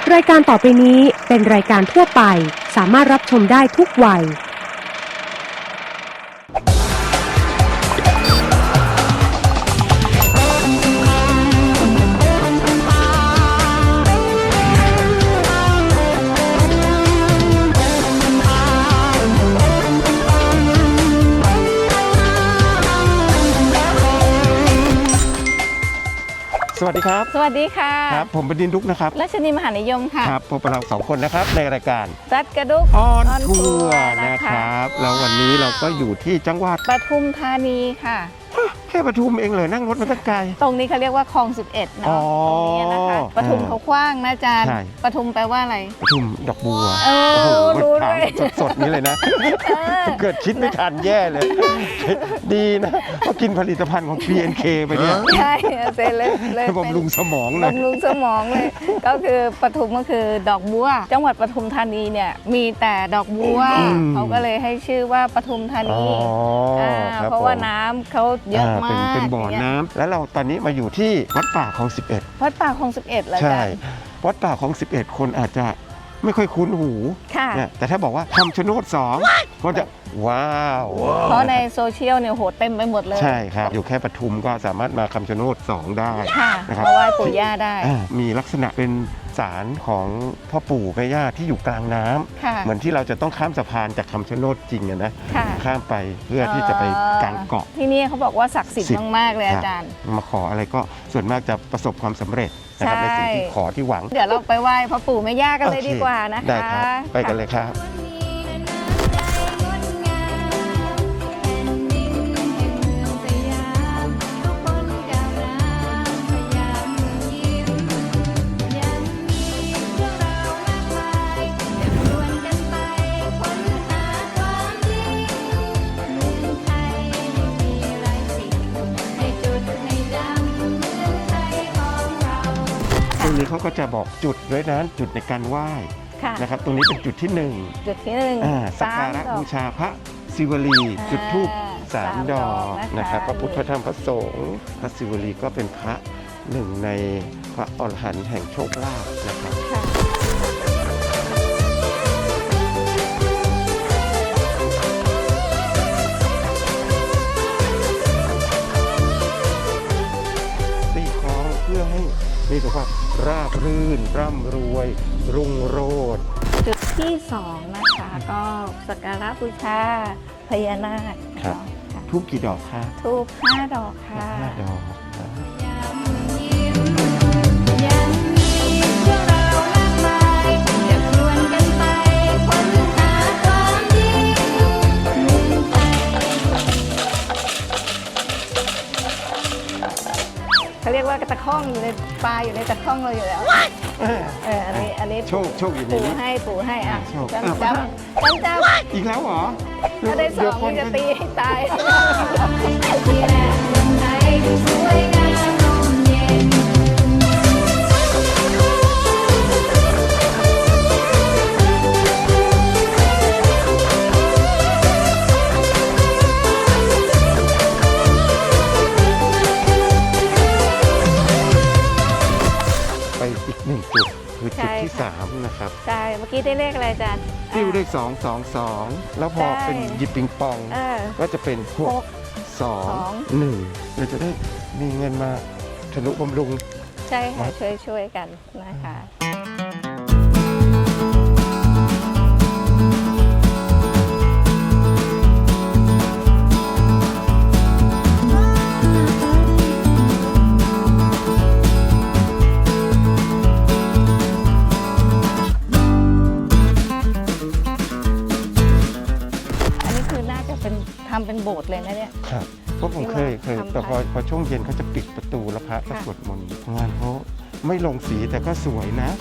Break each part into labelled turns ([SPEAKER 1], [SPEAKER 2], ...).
[SPEAKER 1] รายการต่อไปนี้เป็นรายการทั่วไปสามารถรับชมได้ทุกวัย
[SPEAKER 2] สวัสดีครับ
[SPEAKER 3] สวัสดีค่ะ
[SPEAKER 2] ครับผมบดินทร์ดุ๊กนะครับ
[SPEAKER 3] รัชนีมหานิยมค่ะ
[SPEAKER 2] ครับพบกับเรา2 คนนะครับในรายการ
[SPEAKER 3] รัดกระดุก
[SPEAKER 2] ออนทัวร์นะครับแล้ววันนี้เราก็อยู่ที่จังหวัด
[SPEAKER 3] ปทุมธานีค่ะ
[SPEAKER 2] แค่ปทุมเองเลยนั่งรถมาตั้งไกล
[SPEAKER 3] ตรงนี้เขาเรียกว่าคลอง11เนาะตรงนี้นะคะปทุมเขากว้างนะอาจารย์ปทุมแปลว่าอะไร
[SPEAKER 2] ปทุมดอกบัว
[SPEAKER 3] รู้ด้วย
[SPEAKER 2] สดๆนี้เลยนะเกิดคิดไม่ทันแย่เลยดีนะเพราะกินผลิตภัณฑ์ของ PNK ไปเนี่ย
[SPEAKER 3] ใช่เซเลย
[SPEAKER 2] บำรุงสมองเลย
[SPEAKER 3] บำรุงสมองเลยก็คือปทุมก็คือดอกบัวจังหวัดปทุมธานีเนี่ยมีแต่ดอกบัวเขาก็เลยให้ชื่อว่าปทุมธานีเพราะว่าน้ำเขาเยอะมาก
[SPEAKER 2] เป็นบ่อน้ำแล้วเราตอนนี้มาอยู่ที่วัดป่าคลอง11
[SPEAKER 3] วัดป่าคลอง11เลย
[SPEAKER 2] ใช่วัดป่าคลอง11คนอาจจะไม่ค่อยคุ้นหูแต่ถ้าบอกว่าคำชะโนด2ก็จะว้าว
[SPEAKER 3] เพราะในโซเชียลเนี่ยโหเต็มไปหมดเลย
[SPEAKER 2] ใช่ครับอยู่แค่ปทุมก็สามารถมาคำชะโนด2ได้
[SPEAKER 3] นะครับมาไหว้ปู่ย่าได้
[SPEAKER 2] มีลักษณะเป็นศาลของพ่อปู่แม่ย่าที่อยู่กลางน้ำเหมือนที่เราจะต้องข้ามสะพานจากคำชะโนดจริงนะข้ามไปเพื่อที่จะไปกลางเกาะ
[SPEAKER 3] ที่นี่เขาบอกว่าศักดิ์สิทธิ์มากๆเลยอาจารย์
[SPEAKER 2] มาขออะไรก็ส่วนมากจะประสบความสำเร็จนะครับในสิ่งที่ขอที่หวัง
[SPEAKER 3] เดี๋ยวเราไปไหว้พ่อปู่แม่ย่ากันเลยดีกว่านะคะ
[SPEAKER 2] ได้ครับไปกันเลยครับตรงนี้เขาก็จะบอกจุดด้วยนะจุดในการไหว้นะครับตรงนี้เป็นจุดที่1สักการะบูชาพระศิวลีจุดธูป3 ดอกนะครับพระพุทธพระธรรมพระสงฆ์พระศิวลีก็เป็นพระหนึ่งในพระอรหันต์แห่งโชคลาภนะครับตีคล้องเพื่อให้มีสุขภาพราบรื่นร่ำรวยรุ่งโรจน์
[SPEAKER 3] จุดที่2นะคะก็สักการะบูชาพญานาค
[SPEAKER 2] ครับทูบกี่ดอกคะ
[SPEAKER 3] ทูบ5 ดอกค่ะ
[SPEAKER 2] 5 ดอก
[SPEAKER 3] เขาเรียกว่ากระตะข้องอยู่ในปลาอยู่ในตะข้องเราอยู่แล้วอันนี้
[SPEAKER 2] โชคอยู่ในนี้
[SPEAKER 3] ปู่ให้อ่ะจำ
[SPEAKER 2] อีกแล้วเหรอ
[SPEAKER 3] ถ้าได้2มันจะตีให้ตาย
[SPEAKER 2] ไปอีก1 จุดคือจุดที่3นะครับ
[SPEAKER 3] ใช่เมื่อกี้ได้เลขอะไรอาจารย์
[SPEAKER 2] ติ้วเลข222แล้วพอเป็นหยิบปิงปองก็จะเป็น6 2 1เราจะได้มีเงินมาทะลุบำรุง
[SPEAKER 3] ใช่ค่ะช่วยกันนะคะทำเป็นโบสถ์เลยนะเนี่ย
[SPEAKER 2] ครับเพราะผมเคยแต่พอช่วงเย็นเขาจะปิดประตูแล้วพระก็สวดมนต์งานเขาไม่ลงสีแต่ก็สวยนะ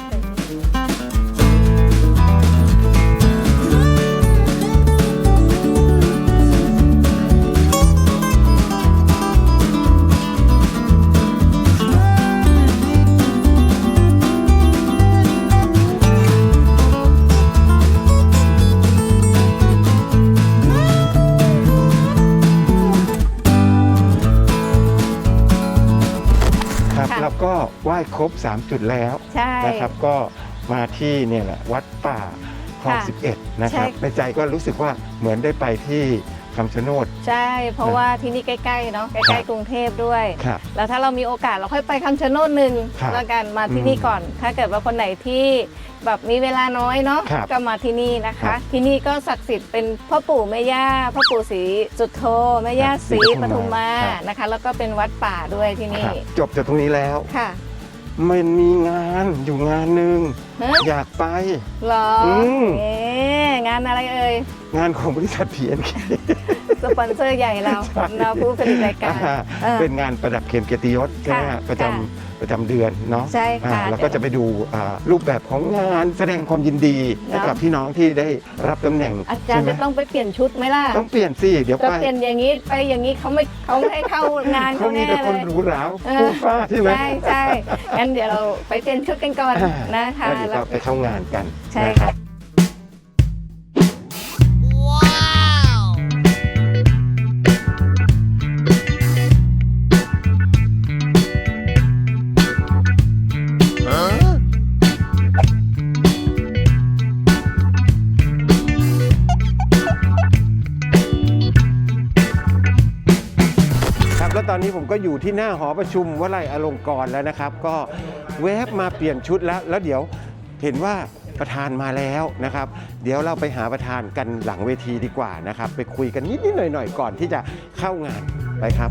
[SPEAKER 2] แล้วก็ไหว้ครบ3 จุดแล้วนะครับก็มาที่เนี่ยแหละวัดป่าคลอง
[SPEAKER 3] ค่ะ
[SPEAKER 2] 11 นะครับ
[SPEAKER 3] ใช่
[SPEAKER 2] ในใจก็รู้สึกว่าเหมือนได้ไปที่คำชะโนด
[SPEAKER 3] ใช่เพราะว่าที่นี่ใกล้ๆเนาะใกล้ๆกรุงเทพด้วย
[SPEAKER 2] ครับ
[SPEAKER 3] แล้วถ้าเรามีโอกาสเราค่อยไปคำชะโนดหนึ่ง
[SPEAKER 2] ครับ
[SPEAKER 3] แล้วกันมาที่นี่ก่อน ถ้าเกิดว่าคนไหนที่แบบมีเวลาน้อยเนาะ
[SPEAKER 2] ครับ
[SPEAKER 3] ก็มาที่นี่นะ
[SPEAKER 2] ครั
[SPEAKER 3] คะ
[SPEAKER 2] บ
[SPEAKER 3] ที่นี่ก็ศักดิ์สิทธิ์เป็นพ่อปู่แม่ย่าพ่อปู่ศรีจุฑโธแม่ย่าศรีปทุมมา
[SPEAKER 2] ครับ
[SPEAKER 3] นะคะ แล้วก็เป็นวัดป่าด้วยที่นี่
[SPEAKER 2] ครับจบจากตรงนี้แล้ว
[SPEAKER 3] ค่ะ
[SPEAKER 2] มันมีงานอยู่งานหนึ่ง
[SPEAKER 3] ฮะ
[SPEAKER 2] อยากไป
[SPEAKER 3] เหรอ
[SPEAKER 2] ม
[SPEAKER 3] งานอะไรเอ่ย
[SPEAKER 2] งานของบริษัท PNK
[SPEAKER 3] สปอนเซอร์ใหญ่เราเราผู้ผลิตรายการเออ
[SPEAKER 2] เป็นงานประดับเข็มเกียรติยศใช่ไหม
[SPEAKER 3] ค่ะ
[SPEAKER 2] ฮะประจำเดือนเนาะ
[SPEAKER 3] ใช่ค่ะ
[SPEAKER 2] แล้วก็จะไปดูรูปแบบของงานแสดงความยินดีให้กับพี่น้องที่ได้รับตำแหน่ง
[SPEAKER 3] อาจารย์
[SPEAKER 2] ใช่
[SPEAKER 3] จะ
[SPEAKER 2] ไหม
[SPEAKER 3] ต้องไปเปลี่ยนชุดไหมล่ะ
[SPEAKER 2] ต้องเปลี่ยนสิเดี๋ยว
[SPEAKER 3] จะ
[SPEAKER 2] ไป
[SPEAKER 3] เปลี่ยนอย่างนี้ไปอย่างนี้เขาไม่ให้เข้างาน
[SPEAKER 2] เขา
[SPEAKER 3] เขา
[SPEAKER 2] มี
[SPEAKER 3] แน่
[SPEAKER 2] แต่คน
[SPEAKER 3] เลย
[SPEAKER 2] หรูหรา
[SPEAKER 3] เออ
[SPEAKER 2] ฟูฟ้าใช่ไหม
[SPEAKER 3] ใช่งั้นเดี๋ยวเราไปเปลี่ยนชุดกันก่อนนะคะ
[SPEAKER 2] แล้วเดี๋ยวก็ไปเข้างานกัน
[SPEAKER 3] ใช่
[SPEAKER 2] นะค
[SPEAKER 3] ค่ะ
[SPEAKER 2] รับครับแล้วตอนนี้ผมก็อยู่ที่หน้าหอประชุมวลัยอลงกรณ์แล้วนะครับ ก็แวบมาเปลี่ยนชุดแล้วเดี๋ยวเห็นว่าประธานมาแล้วนะครับ เดี๋ยวเราไปหาประธานกันหลังเวทีดีกว่านะครับ ไปคุยกันนิดๆหน่อยๆก่อนที่จะเข้างานไปครับ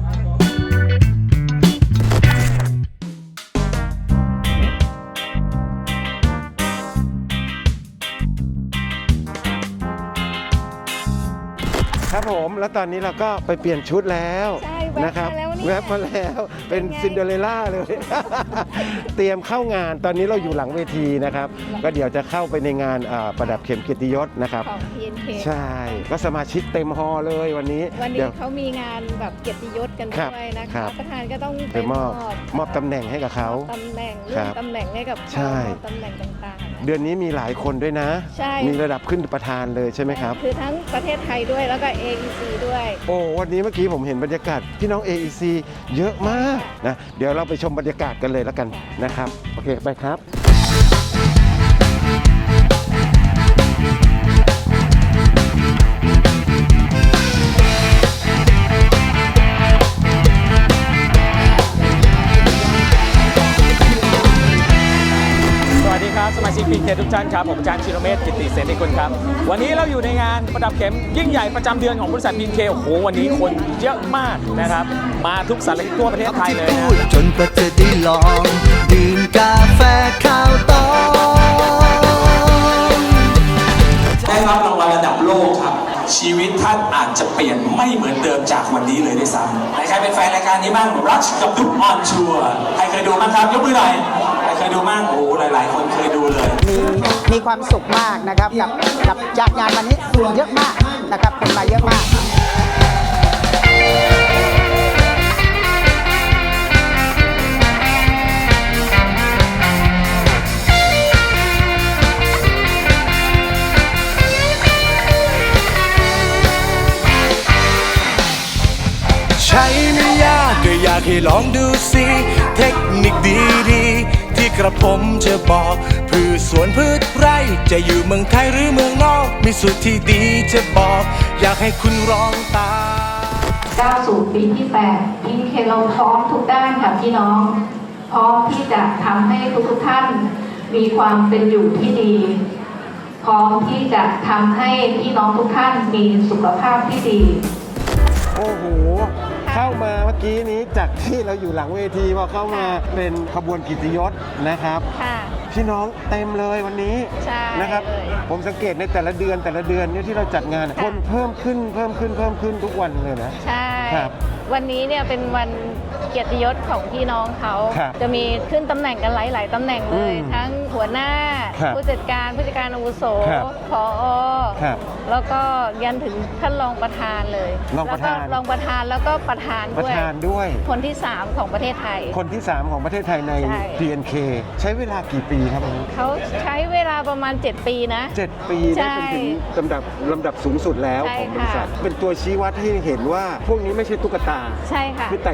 [SPEAKER 2] ครับผมแล้วตอนนี้เราก็ไปเปลี่ยนชุดแล้ว
[SPEAKER 3] ใช่แวบ
[SPEAKER 2] นะครับ
[SPEAKER 3] มาแล้วเนี่ย
[SPEAKER 2] แวบมาแล้วเป็น
[SPEAKER 3] เป็นไง
[SPEAKER 2] ซินเดอเรลล่าเลย เตรียมเข้างานตอนนี้เราอยู่หลังเวทีนะครับ ก็เดี๋ยวจะเข้าไปในงานประดับเข็มเกียรติยศนะครับ
[SPEAKER 3] ของ PNK
[SPEAKER 2] ใช่ ก็สมาชิกเต็มฮอลล์เลยวันนี้
[SPEAKER 3] วัน
[SPEAKER 2] เดี๋
[SPEAKER 3] นี้
[SPEAKER 2] ยว
[SPEAKER 3] เขามีงานแบบเกียรติยศกัน
[SPEAKER 2] ครับ
[SPEAKER 3] ด้วยนะ
[SPEAKER 2] ครั
[SPEAKER 3] คะ
[SPEAKER 2] บ
[SPEAKER 3] ประธานก็ต้อง
[SPEAKER 2] ไปมอบตำแหน่งให้กับเขา
[SPEAKER 3] ตำแหน่ง
[SPEAKER 2] ค
[SPEAKER 3] เลื่
[SPEAKER 2] รั
[SPEAKER 3] อบ นตำแหน่งให้กับเขา
[SPEAKER 2] ใช่
[SPEAKER 3] มอบตำแหน่งต่างๆ
[SPEAKER 2] เดือนนี้มีหลายคนด้วยนะ
[SPEAKER 3] ใช่
[SPEAKER 2] มีระดับขึ้นประธานเลยใช่ไหมครับ
[SPEAKER 3] คือทั้งประเทศไทยด้วยแล้วก็ AEC ด้วย
[SPEAKER 2] โอ้วันนี้เมื่อกี้ผมเห็นบรรยากาศพี่น้อง AEC เยอะมากนะเดี๋ยวเราไปชมบรรยากาศกันเลยแล้วกันนะครับโอเคไปครับ
[SPEAKER 4] สวัสดีครับสมาชิกพีเคทุกท่านครับผมอาจารย์ชิโรเมธกิตติเสนีกุลครับวันนี้เราอยู่ในงานประดับเข็มยิ่งใหญ่ประจำเดือนของบริษัทพีเคโอ้โหวันนี้คนเยอะมากนะครับมาทุกสารทิศทั่วประเทศไทยเลยนะ
[SPEAKER 5] จนกว่าจะได้ลองดื่มกาแฟข้าวตอง
[SPEAKER 6] ได้รับรางวัลระดับโลกครับ ชีวิตท่านอาจจะเปลี่ยนไม่เหมือนเดิมจากวันนี้เลยด้วยซ้ำใครเป็นแฟนรายการนี้บ้างรัชกับดุ๊กออนชัวร์ใครเคยดูบ้างครับยกมือหน่อยใครเคยดูบ้างโอ้หลาย ๆ คนเคยดูเลย
[SPEAKER 7] มีความสุขมากนะครับกับจากงานวันนี้เยอะมากนะครับคนมาเยอะมาก
[SPEAKER 5] ใช้ไม่ยากก็อยากให้ลองดูสิ เทคนิคดีๆ ที่กระผมจะบอกพืชสวนพืชไร่จะอยู่เมืองไทยหรือเมืองนอก มีสูตรที่ดีจะบอก อยากให้คุณลองตาม
[SPEAKER 8] ก้าวสู่ปีที่8พีเคเราพร้อมทุกด้านค่ะพี่น้อง พร้อมที่จะทำให้ทุกท่านมีความเป็นอยู่ที่ดี พร้อมที่จะทำให้พี่น้องทุกท่านมีสุขภาพที่ดี
[SPEAKER 2] โอ้โห เข้ามาเมื่อกี้นี้จากที่เราอยู่หลังเวทีพอเข้ามาเป็นขบวนกิตติยศนะครับ
[SPEAKER 3] ค่ะ
[SPEAKER 2] พี่น้องเต็มเลยวันนี้
[SPEAKER 3] ใช่
[SPEAKER 2] นะครับ
[SPEAKER 3] เลย
[SPEAKER 2] ผมสังเกตในแต่ละเดือนเนี่ยที่เราจัดงาน
[SPEAKER 3] ค่ะ
[SPEAKER 2] คนเพิ่มขึ้นทุกวันเลยนะ
[SPEAKER 3] ใช่
[SPEAKER 2] ครับ
[SPEAKER 3] วันนี้เนี่ยเป็นวันเกียรติยศของพี่น้องเขา
[SPEAKER 2] ครับ
[SPEAKER 3] จะมีขึ้นตำแหน่งกันหลาย ๆ ตำแหน่งเลย ทั้งหัวหน้า
[SPEAKER 2] ครับ
[SPEAKER 3] ผู้จัดการอาวุโส
[SPEAKER 2] ครับ
[SPEAKER 3] ผอ
[SPEAKER 2] ครับ
[SPEAKER 3] แล้วก็ยันถึงท่านรองประธานเลย
[SPEAKER 2] รองประธาน
[SPEAKER 3] แล้วก็รองประธานแล้วก็ประธาน
[SPEAKER 2] ประ
[SPEAKER 3] ด้วย
[SPEAKER 2] ธานด้วย
[SPEAKER 3] คนที่ 3 ของประเทศไทย
[SPEAKER 2] คนที่ 3 ของประเทศไทยใน
[SPEAKER 3] ใช่
[SPEAKER 2] PNK ใช้เวลากี่ปีครับผม
[SPEAKER 3] เขาใช้เวลาประมาณ 7 ปีนะ
[SPEAKER 2] 7 ปี
[SPEAKER 3] ใช่
[SPEAKER 2] ได้เป็นถึงลำดับสูงสุดแล้ว
[SPEAKER 3] ใช่
[SPEAKER 2] ของบริษัท
[SPEAKER 3] ค่ะ
[SPEAKER 2] เป็นตัวชี้วัดให้เห็นว่าพวกนี้ไม่ใช่ตุ๊กตา
[SPEAKER 3] ใช่ค่ะ
[SPEAKER 2] คือไต่เต้ามา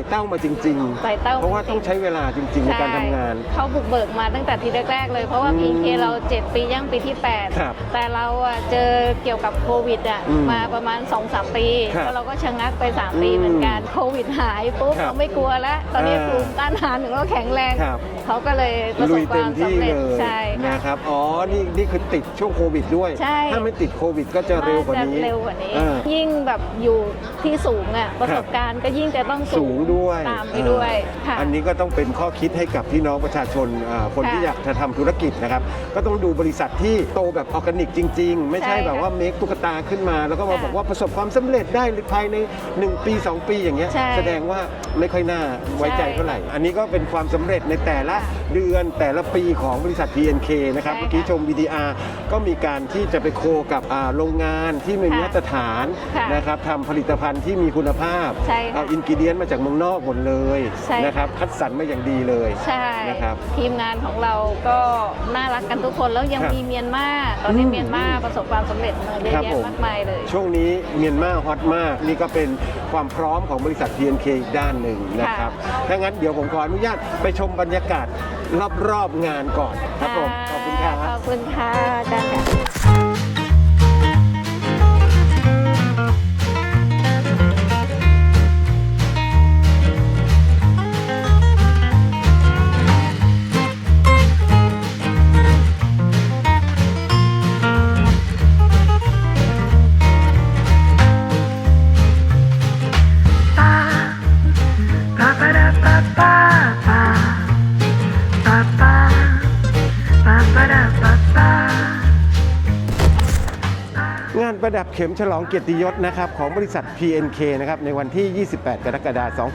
[SPEAKER 2] จริง
[SPEAKER 3] ไต่เต้า
[SPEAKER 2] ๆ เพราะว่าต้องใช้เวลาจริงๆในการทำงาน
[SPEAKER 3] เขาบุกเบิกมาตั้งแต่ทีแรกๆเลยเพราะว่า PK เรา 7 ปีย่างปีที่
[SPEAKER 2] ครับ
[SPEAKER 3] 8 แต่เราอะเจอเกี่ยวกับโควิดอะ มาประมาณ 2-3 ปี
[SPEAKER 2] ครับ
[SPEAKER 3] แล้วเราก็ชะงักไป 3 ปีเหมือนกันโควิดหายปุ๊บ
[SPEAKER 2] ครับ
[SPEAKER 3] เราไม่กลัวแล้ว ตอนนี้
[SPEAKER 2] อ่า
[SPEAKER 3] ภูมิต้านทานของเราแข็งแรง
[SPEAKER 2] ครับ
[SPEAKER 3] เขาก็เลยประส
[SPEAKER 2] ลุ
[SPEAKER 3] บ
[SPEAKER 2] ย
[SPEAKER 3] ค
[SPEAKER 2] เต็
[SPEAKER 3] วาม ม
[SPEAKER 2] ที่
[SPEAKER 3] สำ
[SPEAKER 2] เล
[SPEAKER 3] เร็จ
[SPEAKER 2] ย
[SPEAKER 3] ใช่ค่ะ
[SPEAKER 2] นะครับอ๋อนี่คือติดช่วงโควิดด้วย
[SPEAKER 3] ใช่
[SPEAKER 2] ถ้าไม่ติดโควิดก็จะเร็วกว่านี้
[SPEAKER 3] จะเร็วกว่านี้
[SPEAKER 2] อ่า
[SPEAKER 3] ยิ่งแบบอยู่ที่สูงอะประสบการณ์ก็ยิ่งจะต้อง
[SPEAKER 2] สูงด้วย
[SPEAKER 3] ตามไปด้วยค่ะ
[SPEAKER 2] อันนี้ก็ต้องเป็นข้อคิดให้กับพี่น้องประชาชนคน
[SPEAKER 3] ค่ะ
[SPEAKER 2] ที่อยากจะทำธุรกิจนะครับ ก็ต้องดูบริษัทที่โตแบบออร์แกนิกจริง ๆ ไม่ใช่
[SPEAKER 3] ใช่ค่ะ
[SPEAKER 2] แบบว่าเมคตุ๊กตาขึ้นมา แล้วก็มา
[SPEAKER 3] ค่ะ
[SPEAKER 2] บอกว่าประสบความสำเร็จได้ภายใน 1 ปี 2 ปีอย่างเงี้ย
[SPEAKER 3] ใช่
[SPEAKER 2] แสดงว่าไม่ค่อยน่าไว้ใจเท่าไหร่ อันนี้ก็เป็นความสำเร็จในแต่ละ
[SPEAKER 3] ค่ะ
[SPEAKER 2] เดือนแต่ละปีของบริษัท PNK นะครับ
[SPEAKER 3] ใช่ค่ะ
[SPEAKER 2] เมื่อกี้ชม VDR ก็มีการที่จะไปโคกับโรงงานที่มี
[SPEAKER 3] ค่ะ
[SPEAKER 2] มาตรฐาน
[SPEAKER 3] ค่ะ
[SPEAKER 2] นะครับทำผลิตภัณฑ์ที่มีคุณภาพ
[SPEAKER 3] ใช่ค่ะ
[SPEAKER 2] เอาอินกิเดียนมาจากเมืองนอกหมดเลย
[SPEAKER 3] ใช่ค่ะ
[SPEAKER 2] นะครับคัดสรรมาอย่างดีเลย
[SPEAKER 3] ใช่
[SPEAKER 2] นะครับ
[SPEAKER 3] ทีมงานของเราก็น่ารักกันทุกคนแล้วยัง
[SPEAKER 2] ครับ
[SPEAKER 3] มีเมียนมาตอนนี้เมียนมาประสบความสำเร็จมาเยอะ
[SPEAKER 2] ครับ
[SPEAKER 3] แยะ
[SPEAKER 2] ผม
[SPEAKER 3] มากมายเลย
[SPEAKER 2] ช่วงนี้เมียนมาฮอตมาก นี่ก็เป็นความพร้อมของบริษัท PNK อีกด้านหนึ่งนะครับ ถ้างั้นเดี๋ยวผมขออนุญาตไปชมบรรยากาศรอบๆงานก่อนครับผม ขอบคุณครับ
[SPEAKER 3] ขอบคุณค่ะอาจารย์ค่ะ
[SPEAKER 2] งานประดับเข็มฉลองเกียรติยศนะครับของบริษัท PNK นะครับในวันที่ 28 กรกฎาคม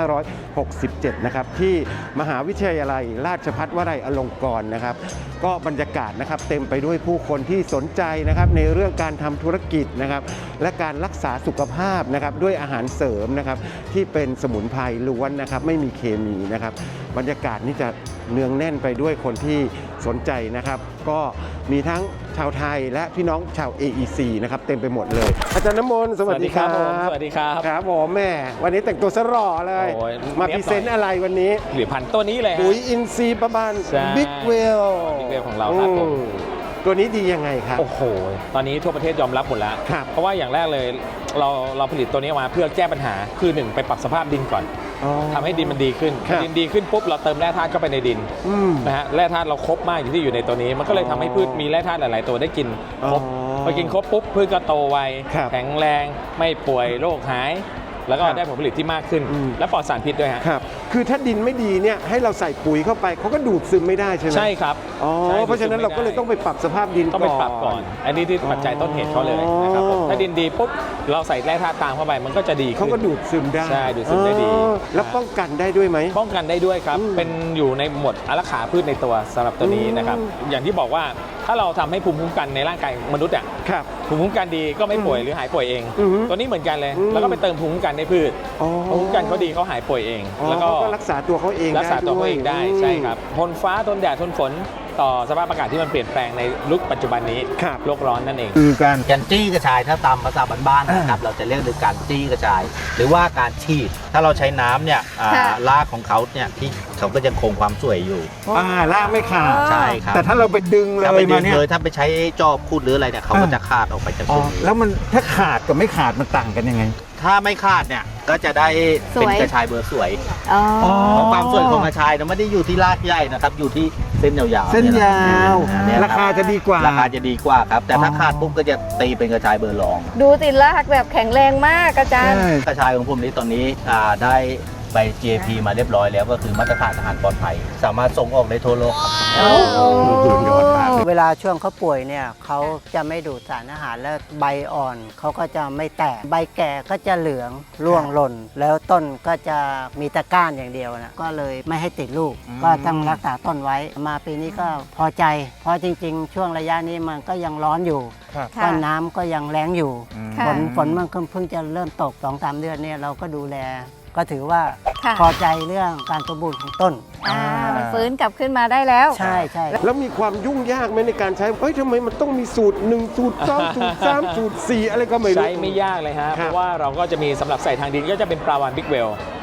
[SPEAKER 2] 2567 นะครับที่มหาวิทยาลัยราชภัฏวลัยอลงกรณ์นะครับ ก็บรรยากาศนะครับเต็มไปด้วยผู้คนที่สนใจนะครับในเรื่องการทำธุรกิจนะครับและการรักษาสุขภาพนะครับด้วยอาหารเสริมนะครับที่เป็นสมุนไพรล้วนนะครับไม่มีเคมีนะครับบรรยากาศนี่จะเนืองแน่นไปด้วยคนที่สนใจนะครับก็มีทั้งชาวไทยและพี่น้องชาว AEC นะครับเต็มไปหมดเลยอาจารย์น้ำมนต์สวัสดีครับ
[SPEAKER 4] สวัสดีครับ
[SPEAKER 2] ครับผมแม่วันนี้แต่งตัวซะหล่อเลย
[SPEAKER 4] โอ้ย
[SPEAKER 2] มา
[SPEAKER 4] เนี๊
[SPEAKER 2] พ
[SPEAKER 4] ยบ
[SPEAKER 2] รีเซนต์อะไรวันนี้
[SPEAKER 4] ผลิตภัณฑ์ตัวนี้เลยฮะ
[SPEAKER 2] ปุ๋ยอินทรีย์ประมาณ
[SPEAKER 4] ใช่
[SPEAKER 2] บิ๊กเวล
[SPEAKER 4] Big Well ของเราครับผม
[SPEAKER 2] ตัวนี้ดียังไงครับ
[SPEAKER 4] โอ้โห ตอนนี้ทั่วประเทศยอมรับหมดแล้ว
[SPEAKER 2] ครับ
[SPEAKER 4] เพราะว่าอย่างแรกเลยเราผลิตตัวนี้มาเพื่อแก้ปัญหาคือหนึ่งไปปรับสภาพดินก่อน
[SPEAKER 2] อ๋อ
[SPEAKER 4] ทำให้ดินมันดีขึ้น
[SPEAKER 2] ครับ
[SPEAKER 4] ดินดีขึ้นปุ๊บเราเติมแร่ธาตุเข้าไปในดิน
[SPEAKER 2] อืม
[SPEAKER 4] นะฮะแร่ธาตุเราครบมากอยู่ที่อยู่ในตัวนี้ มันก็เลยทำให้พืชมีแร่ธาตุหลาย ๆ ตัวได้กินครบ
[SPEAKER 2] อ๋อ
[SPEAKER 4] พอกินครบปุ๊บพืชก็โตไว
[SPEAKER 2] ครับ
[SPEAKER 4] แข็งแรงไม่ป่วยโรคหาย แล้วก็
[SPEAKER 2] ครับ
[SPEAKER 4] ได้ผลผลิตที่มากขึ้น
[SPEAKER 2] อืม
[SPEAKER 4] และปลอดสารพิษด้วยฮะ
[SPEAKER 2] ครับคือถ้าดินไม่ดีเนี่ยให้เราใส่ปุ๋ยเข้าไปเขาก็ดูดซึมไม่ได้ใช่ไหม
[SPEAKER 4] ใช่ครับ
[SPEAKER 2] อ๋อ
[SPEAKER 4] ใช่
[SPEAKER 2] เพราะฉะนั้นเราก็เลยต้องไปปรับสภาพดิน
[SPEAKER 4] ต้องไปปรับก่อน อันนี้ที่ปัจจัยต้นเหตุเขาเลยนะครับผม
[SPEAKER 2] อ๋อ
[SPEAKER 4] ถ้าดินดีปุ๊บเราใส่แร่ธาตุตามเข้าไปมันก็จะดีขึ้น
[SPEAKER 2] เขาก็ดูดซึมได้
[SPEAKER 4] ใช่ดูดซึมได้ดี
[SPEAKER 2] อ๋อแล้วป้องกันได้ด้วยไหม
[SPEAKER 4] ป้องกันได้ด้วยครับ
[SPEAKER 2] อืม
[SPEAKER 4] เป็นอยู่ในหมวดอารักขาพืชในตัวสำหรับตัวนี้
[SPEAKER 2] อืม
[SPEAKER 4] นะครับ อย่างที่บอกว่าถ้าเราทำให้ภูมิคุ้มกันในร่างกายมนุษย์อ่ะ
[SPEAKER 2] ครับ
[SPEAKER 4] ภูมิคุ้มกันดีก็ไม่ป่วยหรือหายป่วยเอง
[SPEAKER 2] อือฮึ
[SPEAKER 4] ตัวนี้เหมือนกันเลย
[SPEAKER 2] อืม
[SPEAKER 4] แล้วก็ไปเติมภูมิคุ้มกันในพืช
[SPEAKER 2] อ๋อ
[SPEAKER 4] ภูมิคุ้มกันเขาดีเขาหายป่วยเอง
[SPEAKER 2] อ๋อ
[SPEAKER 4] แล้วก็
[SPEAKER 2] เขาก็รักษาตัวเขาเอง
[SPEAKER 4] รักษาตัวเขาเองได้
[SPEAKER 2] ม
[SPEAKER 4] ใช่ครับทนฟ้าทนแดดทนฝนต่อสภาพอากาศที่มันเปลี่ยนแปลงในยุคปัจจุบันนี้
[SPEAKER 2] ครับ
[SPEAKER 4] โลกร้อนนั่นเอง
[SPEAKER 2] คือการ
[SPEAKER 9] การจี้กระชายถ้าตามภาษาบ้านๆนะครับเราจะเรียกถึงการจี้กระชาย หรือว่าการฉีดถ้าเราใช้น้ำเนี่ย
[SPEAKER 3] ค่ะ
[SPEAKER 9] รากของเขาเนี่ยที่เขาก็ยังคงความสวยอยู่
[SPEAKER 2] ลากไม่ขาด
[SPEAKER 9] ใช่ครับ
[SPEAKER 2] แต่ถ้าเราไปดึงเล
[SPEAKER 9] ถ้าไป
[SPEAKER 2] ย
[SPEAKER 9] ดึ
[SPEAKER 2] มาง เนี่ย
[SPEAKER 9] เลยถ้าไปใช้จอบคูดหรืออะไรเนี่ยเขาก็จะขาดออกไปจาก
[SPEAKER 2] อ๋อ
[SPEAKER 9] ต้น
[SPEAKER 2] แล้วมันถ้าขาดกับไม่ขาดมันต่างกันยังไง
[SPEAKER 9] ถ้าไม่ขาดเนี่ยก็จะได้เป็น
[SPEAKER 3] สวย
[SPEAKER 9] กระชายเบอร์สวย
[SPEAKER 3] อ๋อ
[SPEAKER 9] เพราะความสวยของกระชายเนี่ยไม่ได้อยู่ที่รากใหญ่นะครับอยู่ที่เส้นยาวๆ
[SPEAKER 2] เส้นยาว
[SPEAKER 9] เนี่ย
[SPEAKER 2] ราคาจะดีกว่า
[SPEAKER 9] ราคาจะดีกว่าครับแต่ถ้า
[SPEAKER 2] อ๋อ
[SPEAKER 9] ขาดปุ๊บก็จะตีเป็นกระชายเบอร์รอง
[SPEAKER 3] ดูติดลากแบบแข็งแรงมากอาจารย์
[SPEAKER 9] กระชายของผมนี้ตอนนี้ได้ใบ GAP มาเรียบร้อยแล้วก็คือมาตรฐานอาหารปลอดภัย สามารถส่งออกได้ทั่วโลกครับ
[SPEAKER 7] เวลาช่วงเขาป่วยเนี่ยเขาจะไม่ดูดสารอาหารและใบอ่อนเขาก็จะไม่แตกใบแก่ก็จะเหลืองร่วงหล่น แล้วต้นก็จะมีแต่ก้านอย่างเดียวนะก็เลยไม่ให้ติดลูก ก็ต้องรักษาต้นไว้ มาปีนี้ก็พอใจ เพราะจริง ๆ ช่วงระยะนี้มันก็ยังร้อนอยู่
[SPEAKER 2] ครับ
[SPEAKER 7] ก็น้ำก็ยังแรงอยู่
[SPEAKER 3] ค่ะ
[SPEAKER 7] ฝนมันเพิ่งจะเริ่มตก 2-3 เดือนเนี่ยเราก็ดูแล ก็ถือว่า
[SPEAKER 3] ค่ะ
[SPEAKER 7] พอใจเรื่องการสมบูรณ์ของต้น
[SPEAKER 3] มันฟื้นกลับขึ้นมาได้แล้ว
[SPEAKER 7] ใช่ใช่
[SPEAKER 2] แล้วมีความยุ่งยากไหมในการใช้ทำไมมันต้องมีสูตร 1 สูตร 2 สูตร 3 สูตร 4 อะไรก็ไม่รู้
[SPEAKER 4] ใช้ไม่ยากเลยฮะ
[SPEAKER 2] ครับ
[SPEAKER 4] เพราะว่าเราก็จะมีสำหรับใส่ทางดินก็จะเป็นปลาวานบิ๊กเวล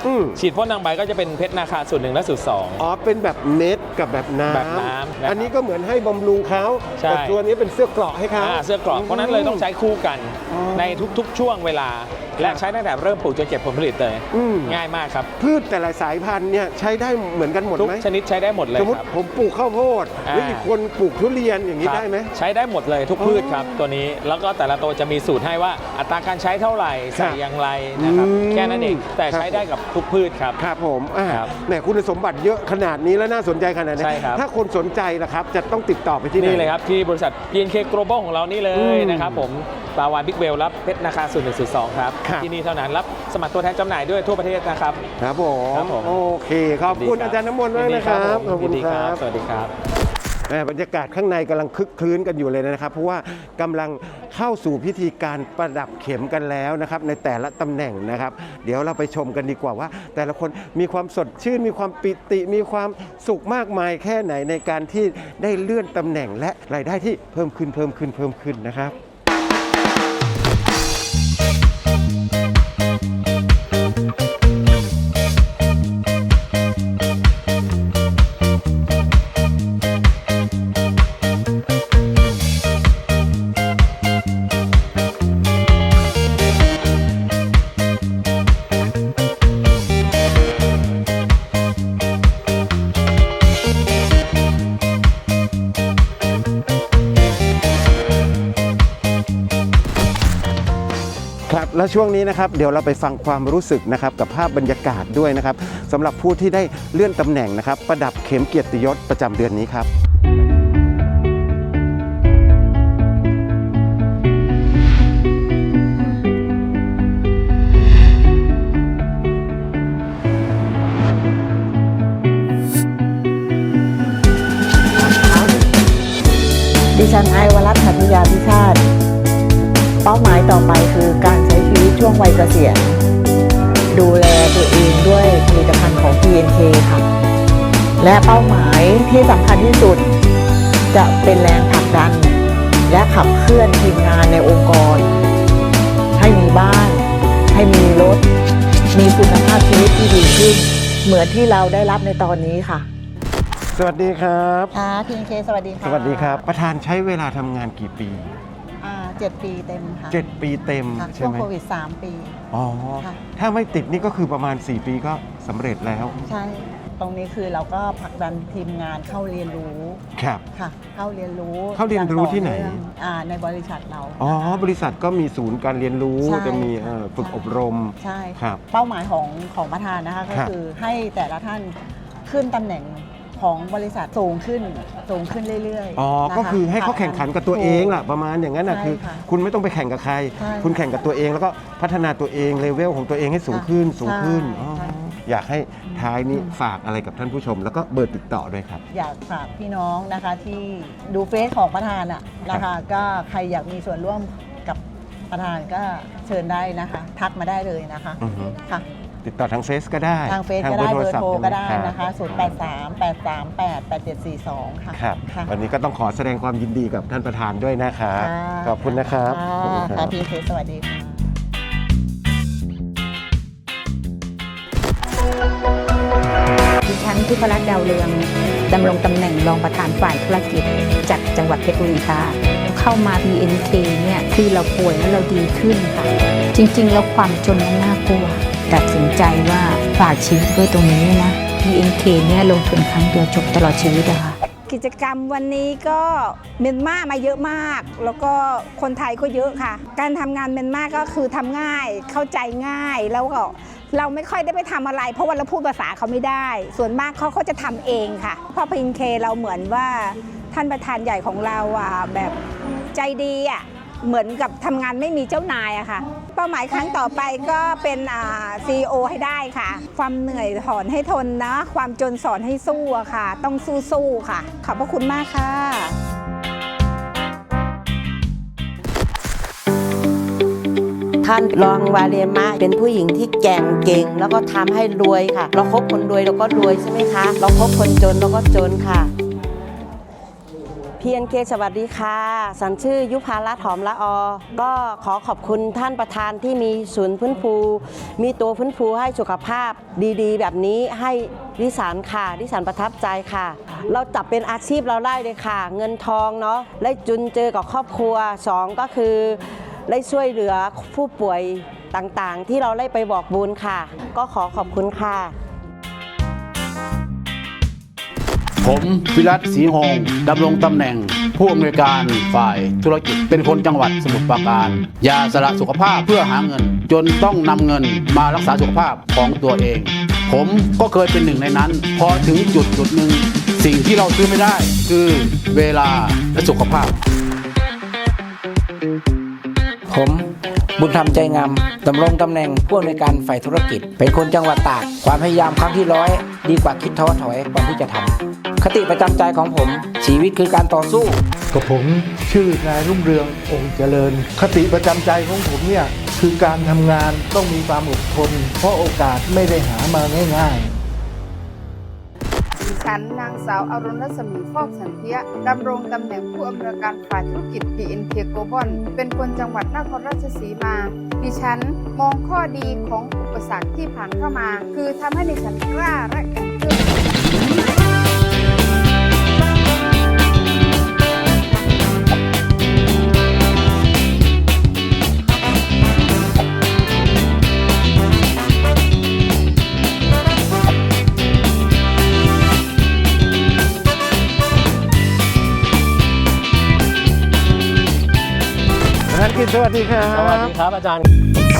[SPEAKER 4] ฉีดพ่นทางใบก็จะเป็นเพชรนาคาสูตร 1 และสูตร 2
[SPEAKER 2] อ๋อเป็นแบบเม็ดกับแบบน้ำ
[SPEAKER 4] แบบน้ำนะครับ
[SPEAKER 2] อันนี้ก็เหมือนให้บำรุงเขา
[SPEAKER 4] ใช่
[SPEAKER 2] แต่ตัวนี้เป็นเสื้อเกราะให้เขา
[SPEAKER 4] เสื้อกรอกเพราะนั้นเลยต้องใช้คู่กันในทุกๆช่วงเวลา และใช้ตั้งแต่เริ่มปลูกจนเก็บผลผลิตเลยง่ายมากครับ
[SPEAKER 2] พืชแต่ละสายพันธุ์เนี่ยใช้ได้เหมือนกันหมด
[SPEAKER 4] ทุก
[SPEAKER 2] ไหม
[SPEAKER 4] ชนิดใช้ได้หมดเลย
[SPEAKER 2] สมม
[SPEAKER 4] ค
[SPEAKER 2] ติ
[SPEAKER 4] รับ
[SPEAKER 2] ผมปลูกข้าวโพดแล้วอีกคนปลูกทุเรียนอย่างนี้
[SPEAKER 4] ครับ
[SPEAKER 2] ได้ไหม
[SPEAKER 4] ใช้ได้หมดเลยทุกพืชครับตัวนี้แล้วก็แต่ละตัวจะมีสูตรให้ว่าอัตราการใช้เท่าไหร่ใส่อย่างไรนะครับแค่นั้นเองแต่ใช้ได้กับทุกพืชครับ
[SPEAKER 2] ครับผม
[SPEAKER 4] ครับ
[SPEAKER 2] แหมคุณสมบัติเยอะขนาดนี้แล้วน่าสนใจขนาดนี้
[SPEAKER 4] ใช่ครับ
[SPEAKER 2] ถ้าคนสนใจล่ะครับจะต้องติดต่อไปที่ไหน
[SPEAKER 4] นี่เลยครับที่บริษัท PNK Global ของเรานี่เลยนะครับผมปลาวานบิ๊กเวลรับเพชรนาคาสูตร 1 สูตร 2 ครับ
[SPEAKER 2] ครับ
[SPEAKER 4] ที่นี่เท่านั้นรับสมัครตัวแทนจำหน่ายด้วยทั่วประเทศนะครับ
[SPEAKER 2] ครับผม
[SPEAKER 4] ครับผม
[SPEAKER 2] โอเคขอบคุณอาจารย์น้ำมนต์มากนะครับขอบคุณ
[SPEAKER 4] ยินดี
[SPEAKER 2] ค
[SPEAKER 4] ค
[SPEAKER 2] รั
[SPEAKER 4] รับ บสวัสดีครับ
[SPEAKER 2] บรรยากาศข้างในกำลังคึกคลื้นกันอยู่เลยนะครับ เพราะว่ากำลังเข้าสู่พิธีการประดับเข็มกันแล้วนะครับในแต่ละตำแหน่งนะครับ เดี๋ยวเราไปชมกันดีกว่าว่า แต่ละคนมีความสดชื่นมีความปิติมีความสุขมากมายแค่ไหนในการที่ได้เลื่อนตำแหน่งและรายได้ที่เพิ่มขึ้นนะครับ ครับและช่วงนี้นะครับเดี๋ยวเราไปฟังความรู้สึกนะครับกับภาพบรรยากาศด้วยนะครับสำหรับผู้ที่ได้เลื่อนตำแหน่งนะครับประดับเข็มเกียรติยศประจำเดือนนี้ครับ
[SPEAKER 10] ดิฉันไอวรัตน์หัตถยาพิชาติเป้าหมายต่อไปคือการใช้ชีวิตช่วงวัยเกษียณดูแลตัวเองด้วยผลิตภัณฑ์ของ PNK ค่ะและเป้าหมายที่สำคัญที่สุดจะเป็นแรงผลักดันและขับเคลื่อนทีมงานในองค์กรให้มีบ้านให้มีรถมีคุณภาพชีวิตที่ดีขึ้นเหมือนที่เราได้รับในตอนนี้ค่ะ
[SPEAKER 2] สวัสดีครับ
[SPEAKER 10] ค่ะ PNK สวัสดีค่ะ
[SPEAKER 2] สวัสดีครับประธานใช้เวลาทำงานกี่ปี
[SPEAKER 10] 7 ปีเต็มค่ะ
[SPEAKER 2] 7 ปีเต็ม
[SPEAKER 10] ค่ะ
[SPEAKER 2] ใช่
[SPEAKER 10] ช่วง
[SPEAKER 2] ไหม
[SPEAKER 10] โควิด 3 ปี
[SPEAKER 2] อ๋อ
[SPEAKER 10] ค่ะ
[SPEAKER 2] ถ้าไม่ติดนี่ก็คือประมาณ4 ปีก็สำเร็จแล้ว
[SPEAKER 10] ใช่ ตรงนี้คือเราก็ผลักดันทีมงานเข้าเรียนรู้
[SPEAKER 2] ครับ
[SPEAKER 10] ค่ะ เข้าเรียนรู้
[SPEAKER 2] เข้าเรียนรู้ที่ไหน
[SPEAKER 10] อย่างต่อเนื่องในบริษัทเรา
[SPEAKER 2] อ๋อบริษัทก็มีศูนย์การเรียนรู้
[SPEAKER 10] ใช่
[SPEAKER 2] จะมี
[SPEAKER 10] ค่ะ
[SPEAKER 2] ฝึกอบรม
[SPEAKER 10] ใช่
[SPEAKER 2] ครับ
[SPEAKER 10] เป้าหมายของประธานนะคะก็
[SPEAKER 2] ครับ
[SPEAKER 10] คือให้แต่ละท่านขึ้นตำแหน่งของบริษัทสูงขึ้นเรื่อยๆ
[SPEAKER 2] อ๋อ
[SPEAKER 10] นะคะ
[SPEAKER 2] ก็คือให้เขาแข่งขันกับตัวเองล่ะประมาณอย่างนั้นนะ
[SPEAKER 10] ใช่
[SPEAKER 2] คือ
[SPEAKER 10] ค่ะ
[SPEAKER 2] คุณไม่ต้องไปแข่งกับใคร
[SPEAKER 10] ใช่
[SPEAKER 2] คุณแข่งกับตัวเองแล้วก็พัฒนาตัวเองเลเวลของตัวเองให้สูงขึ้น
[SPEAKER 10] ใช่
[SPEAKER 2] สูงขึ้น
[SPEAKER 10] ใช่
[SPEAKER 2] อ๋อ
[SPEAKER 10] ใช่
[SPEAKER 2] อยากให้ท้ายนี้ฝากอะไรกับท่านผู้ชม แล้วก็เบอร์ติดต่อด้วยครับ
[SPEAKER 10] อยากฝากพี่น้องนะคะที่ดูเฟซของประธานอะนะคะก็ใครอยากมีส่วนร่วมกับประธานก็เชิญได้นะคะ ทักมาได้เลยนะคะ
[SPEAKER 2] อือฮึ
[SPEAKER 10] ค่ะ
[SPEAKER 2] ติดต่อทางเฟซก็ได้
[SPEAKER 10] ทางเฟซก็ได้เบอร์โทรก็ได้
[SPEAKER 2] ศัพท์
[SPEAKER 10] นะคะ 0838388742 ค่ะ
[SPEAKER 2] ครับ
[SPEAKER 10] ค่ะ
[SPEAKER 2] วันนี้ก็ต้องขอแสดงความยินดีกับท่านประธานด้วยนะครับ
[SPEAKER 10] ค่ะ
[SPEAKER 2] ขอบคุณนะครับขอบคุณค
[SPEAKER 10] ค่ะ
[SPEAKER 2] รับ
[SPEAKER 10] พี่เคสวัสดีค่ะ
[SPEAKER 11] ดิฉันทิพรัตน์ดาวเรืองดำรงตำแหน่งรองประธานฝ่ายธุรกิจจากจังหวัดเพชรบุรีค่ะเข้ามา PNK เนี่ยคือเราป่วยแล้วเราดีขึ้นค่ะ จริงๆแล้วความจนมันน่ากลัวตัดสินใจว่าฝากชีวิตด้วยตรงนี้นะ PNK เนี่ยลงทุนครั้งเดียวจบตลอดชีวิตอะค่ะ
[SPEAKER 12] กิจกรรมวันนี้ก็เมียนมามาเยอะมาก แล้วก็คนไทยก็เยอะค่ะ การทำงานเมียนมาก็คือทำง่ายเข้าใจง่ายแล้วก็เราไม่ค่อยได้ไปทำอะไร เพราะว่าเราพูดภาษาเขาไม่ได้ ส่วนมากเขาจะทำเองค่ะเพราะ PNK เราเหมือนว่าท่านประธานใหญ่ของเราแบบใจดีเหมือนกับทำงานไม่มีเจ้านายอะค่ะเป้าหมายครั้งต่อไปก็เป็นCEO ให้ได้ค่ะ ความเหนื่อยถอนให้ทนนะความจนสอนให้สู้อะค่ะ ต้องสู้ๆค่ะ ขอบพระคุณมากค่ะ
[SPEAKER 13] ท่านรองวาเลมะเป็นผู้หญิงที่แกร่งเก่งแล้วก็ทำให้รวยค่ะ เราคบคนรวยเราก็รวยใช่ไหมคะ เราคบคนจนเราก็จนค่ะ PNK สวัสดีค่ะสันชื่อยุพารัตน์หอมละอก็ขอขอบคุณท่านประธานที่มีศูนย์ฟื้นฟูมีตัวฟื้นฟูให้สุขภาพดีๆแบบนี้ให้ดิฉันค่ะดิฉันประทับใจค่ะเราจับเป็นอาชีพเราได้เลยค่ะเงินทองเนาะได้จุนเจอกับครอบครัว2ก็คือได้ช่วยเหลือผู้ป่วยต่างๆที่เราได้ไปบอกบุญค่ะก็ขอขอบคุณค่ะ
[SPEAKER 14] ผมวิรัตศรีหงส์ดำรงตำแหน่งผู้อำนวยการฝ่ายธุรกิจเป็นคนจังหวัดสมุทรปราการอย่าสละสุขภาพเพื่อหาเงินจนต้องนำเงินมารักษาสุขภาพของตัวเองผมก็เคยเป็นหนึ่งในนั้นพอถึงจุดหนึ่งสิ่งที่เราซื้อไม่ได้คือเวลาและสุขภาพ
[SPEAKER 15] ผมบุญธรรมใจงามดำรงตำแหน่งผู้อำนวยการฝ่ายธุรกิจเป็นคนจังหวัดตากความพยายามครั้งที่100ดีกว่าคิดท้อถอยก่อนที่จะทำคติประจำใจของผมชีวิตคือการต่อสู้
[SPEAKER 16] กับผมชื่อนายรุ่งเรืององค์เจริญคติประจำใจของผมเนี่ยคือการทำงานต้องมีความอดทนเพราะโอกาสไม่ได้หามาง่ายๆ
[SPEAKER 17] ฉันนางสาวอรุณรัศมีฟอกสันเทียดำรงตำแหน่งผู้อำนวยการฝ่ายธุรกิจ PNK Global เป็นคนจังหวัดนครราชสีมาดิฉันมองข้อดีของอุปสรรคที่ผ่านเข้ามาคือทำให้ดิฉันกล้าและแข็งขึ้น
[SPEAKER 2] สวัสดีครับ
[SPEAKER 4] สวัสดีครับอาจารย์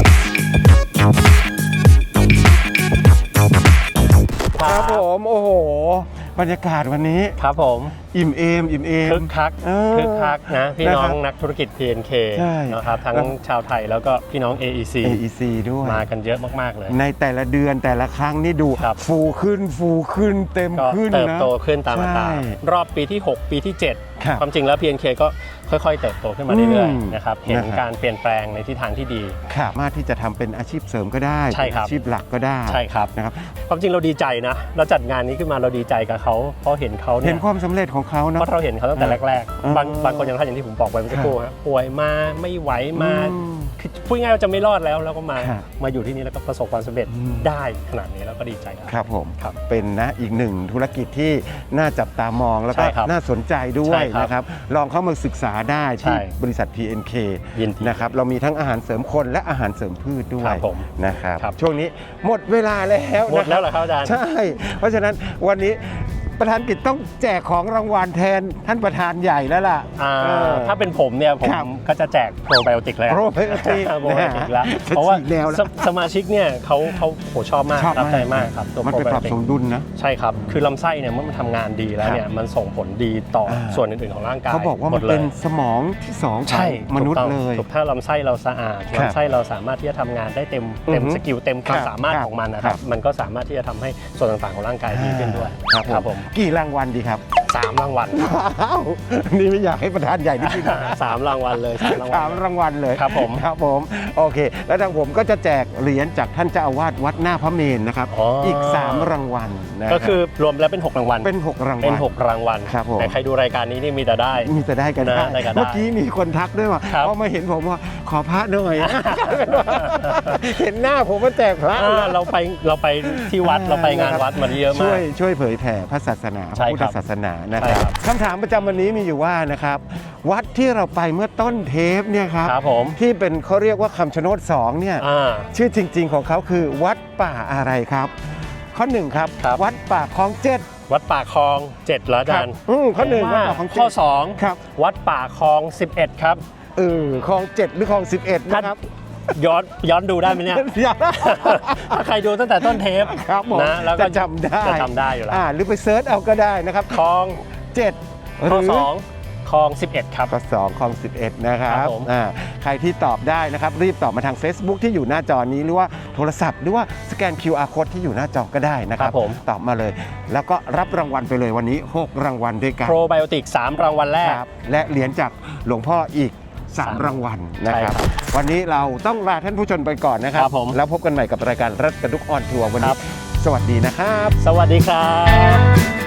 [SPEAKER 2] ครับผมโอ้โหบรรยากาศวันนี้
[SPEAKER 4] ครับผม
[SPEAKER 2] อิ่มเอม
[SPEAKER 4] คึกคักนะพี่น้องนักธุรกิจ PNK นะครับทั้งชาวไทยแล้วก็พี่น้อง AEC
[SPEAKER 2] ด้วย
[SPEAKER 4] มากันเยอะมากๆเลย
[SPEAKER 2] ในแต่ละเดือนแต่ละครั้งนี่ดูฟูขึ้นเต็มขึ้นนะ
[SPEAKER 4] เติบโตขึ้นตามอัตรารอบปีที่6ปีที่7ความจริงแล้ว PNK ก็ค่อยๆเติบโตขึ้นมาเรื่อยๆนะครับเห็นการเปลี่ยนแปลงในทิศทางที่ดี
[SPEAKER 2] สามารถที่จะทำเป็นอาชีพเสริมก็ได้อาชีพหลักก็ได้
[SPEAKER 4] ใช่ครับ
[SPEAKER 2] นะครับ
[SPEAKER 4] ความจริงเราดีใจนะเราจัดงานนี้ขึ้นมาเราดีใจกับเขาเพราะเห็นเขา
[SPEAKER 2] เห็นความสำเร็จของเขานะ
[SPEAKER 4] เพราะเราเห็นเขาตั้งแต่แรกๆบางคนอย่างท่านอย่างที่ผมบอกไปเมื่อสักครู่ป่วยมาไม่ไหวมาพูดง่ายว่าจะไม่รอดแล้วก็มาอยู่ที่นี่แล้วก็ประสบความสำเร็จได้ขนาดนี้แล้วก็ดีใจ
[SPEAKER 2] ครับผมเป็นนะอีกหนึ่งธุรกิจที่น่าจับตามองแล้วก็น่าสนใจด้วยนะครับลองเข้ามาศึกษาได้ที่บริษัท PNK นะครับเรามีทั้งอาหารเสริมคนและอาหารเสริมพืชด้วยนะครับช่วงนี้หมดเวลาแล้ว
[SPEAKER 4] หมดแล้วเหรอครับอาจารย์
[SPEAKER 2] ใช่เพราะฉะนั้นวันนี้ประธานกิจต้องแจกของรางวัลแทนท่านประธานใหญ่แล้วล่ะ
[SPEAKER 4] ถ้าเป็นผมเนี่ยผมก็จะแจกโปรไบโอติกแล้วเพราะว่าสมาชิกเนี่ยเขาชอบมากรับใจมากครับ
[SPEAKER 2] ตัวมันเป็นปรับสมดุลนะ
[SPEAKER 4] ใช่ครับคือลำไส้เนี่ยเมื่อมันทำงานดีแล้วเนี่ยมันส่งผลดีต่อส่วนอื่นๆของร่างกาย
[SPEAKER 2] เขาบอกว่ามันเป็นสมองที่2ของมนุษย์เลย
[SPEAKER 4] ถ้าลำไส้เราสะอาดลำไส้เราสามารถที่จะทำงานได้เต็มสกิลเต็มความสามารถของมันนะครับมันก็สามารถที่จะทำให้ส่วนต่างๆของร่างกายดีขึ้นด้วย
[SPEAKER 2] ครับผมกี่รางวัลดีครับ
[SPEAKER 4] 3รางวัล
[SPEAKER 2] นี่ไม่อยากให้ประธานใหญ่นิดนึง
[SPEAKER 4] 3รางวัลเลย
[SPEAKER 2] 3รางวัลเลย
[SPEAKER 4] ครับ
[SPEAKER 2] ผมโอเคแล้วทางผมก็จะแจกเหรียญจากท่านเจ้าอาวาสวัดหน้าพระเมรุนะครับอีก3รางวัล
[SPEAKER 4] ก็คือรวมแล้วเป็น6รางวัล
[SPEAKER 2] เป็น6รางวัล
[SPEAKER 4] ครับผมแต่ใครดูรายการนี้นี่มีแต่ได้
[SPEAKER 2] กันนะเมื่อกี้มีคนทักด้วยว่าพอมาเห็นผมว่าขอพระหน่อยเห็นหน้าผมมาแจกพระ
[SPEAKER 4] เราไปที่วัดเราไปงานวัดมาเยอะมาก
[SPEAKER 2] ช่วยเผยแผ่พระศาสนาพุทธศาสนานะครับคำถามประจำวันนี้มีอยู่ว่านะครับวัดที่เราไปเมื่อต้นเทปเนี่ยครับที่เป็นเขาเรียกว่าคำชะโนด2เนี่ยชื่อจริงๆของเขาคือวัดป่าอะไรครับข้อ1ครับวัดป่าคลอง7
[SPEAKER 4] วัดป่าคลอง7เหรออาจารย์
[SPEAKER 2] ข้อ1วัดป่าคลอง7
[SPEAKER 4] ข้อ2ครับวัดป่าคลอง11ครับ
[SPEAKER 2] คลอง7หรือคลอง11นะครับ
[SPEAKER 4] ย้อนดูได้ไหมเนี่ยถ้าใครดูตั้งแต่ต้นเทป
[SPEAKER 2] นะแล้วก็จำได้
[SPEAKER 4] อยู่แล้ว
[SPEAKER 2] หรือไปเซิร์ชเอาก็ได้นะครับ
[SPEAKER 4] คลอง7ข้อ2คลอง11ครับ
[SPEAKER 2] ข้อ2คลอง11นะครับใครที่ตอบได้นะครับรีบตอบมาทาง Facebook ที่อยู่หน้าจอนี้หรือว่าโทรศัพท์หรือว่าสแกน QR Code ที่อยู่หน้าจอก็ได้นะครับตอบมาเลยแล้วก็รับรางวัลไปเลยวันนี้6รางวัลด้วยกัน
[SPEAKER 4] โปรไบโอติก3รางวัลแรก
[SPEAKER 2] และเหรียญจากหลวงพ่ออีก3รางวัลนะครับวันนี้เราต้องลาท่านผู้ชมไปก่อนนะครับแล้วพบกันใหม่กับรายการรัฐกระดุกออนทัวร์วันนี้สวัสดีนะครับ
[SPEAKER 4] สวัสดีครับ